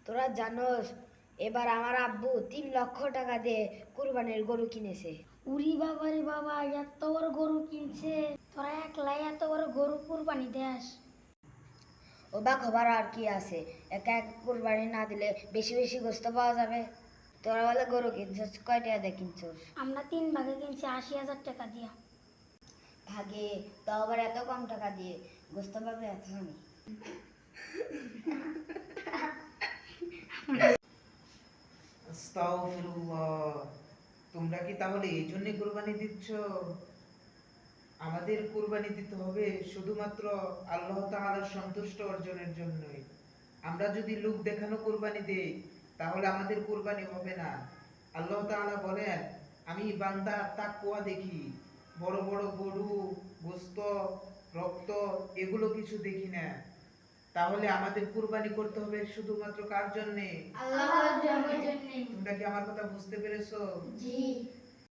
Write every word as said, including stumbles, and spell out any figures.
তোরা জানোস এবার আমার আব্বু তিন লক্ষ টাকা দিয়ে কুরবানির গরু কিনেছে। উরি বাবা রে বাবা, এত বড় গরু কিনছে, তোরা একলাই এত বড় গরু কুরবানি দেস? অবাক হবার আর কি আছে, একা এক কুরবানি না দিলে বেশি বেশি গোস্ত পাওয়া যাবে। তোরা বলে গরু কিনছিস, কয় টাকা দিয়ে কিনছিস? আমরা তিন ভাগে কিনছি আশি হাজার টাকা দিয়া। ভাগে? তাও আবার এত কম টাকা দিয়ে গোস্ত পাবে এত আমি। আস্তাগফিরুল্লাহ। তোমরা কি তাহলে এই জন্য কুরবানি দিচ্ছ? আমাদের কুরবানি দিতে হবে শুধুমাত্র আল্লাহ তাআলার সন্তুষ্ট অর্জনের জন্যই। আমরা যদি লোক দেখানো কুরবানি দেই তাহলে আমাদের কুরবানি হবে না। আল্লাহ তাআলা বলেন, আমি বান্দার তাকওয়া দেখি, বড় বড় গরু, গোস্ত, রক্ত এগুলো কিছু দেখি না। তাহলে আমাদের কুরবানি করতে হবে শুধুমাত্র কার জন্য? আল্লাহর জন্য। তোমরা কি আমার কথা বুঝতে পেরেছো? জি।